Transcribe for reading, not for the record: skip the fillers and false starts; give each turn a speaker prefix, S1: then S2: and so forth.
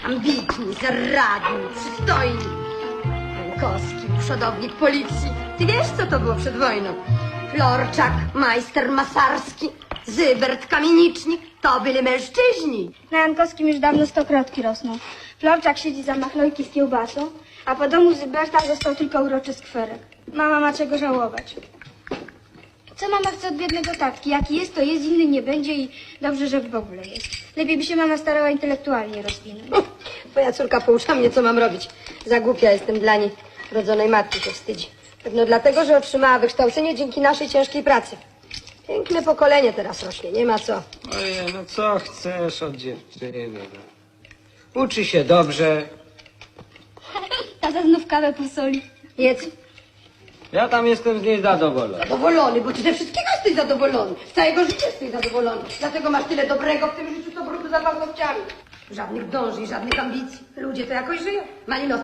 S1: ambitni, zaradni, przystojni. Jankowski, przodownik policji. Ty wiesz, co to było przed wojną? Florczak, majster Masarski, Zybert, Kamienicznik. To byli mężczyźni.
S2: Na Jankowskim już dawno stokrotki rosną. Florczak siedzi za machlojki z kiełbasą, a po domu Zyberta został tylko uroczy skwerek. Mama ma czego żałować. Co mama chce od biednego tatki? Jaki jest, to jest, inny nie będzie i dobrze, że w ogóle jest. Lepiej by się mama starała intelektualnie rozwinąć.
S1: Twoja córka poucza mnie, co mam robić. Za głupia jestem dla niej. Rodzonej matki się wstydzi. Pewno dlatego, że otrzymała wykształcenie dzięki naszej ciężkiej pracy. Piękne pokolenie teraz rośnie, nie ma co.
S3: Ojej, no co chcesz od dziewczyny? Uczy się dobrze.
S2: Tata znów kawę posoli.
S1: Jedz.
S3: Ja tam jestem z niej zadowolony.
S1: Zadowolony, bo ty ze wszystkiego jesteś zadowolony. Z całego życia jesteś zadowolony. Dlatego masz tyle dobrego w tym życiu, co brudu za paznokciami. Żadnych dąży i żadnych ambicji. Ludzie to jakoś żyją. Malino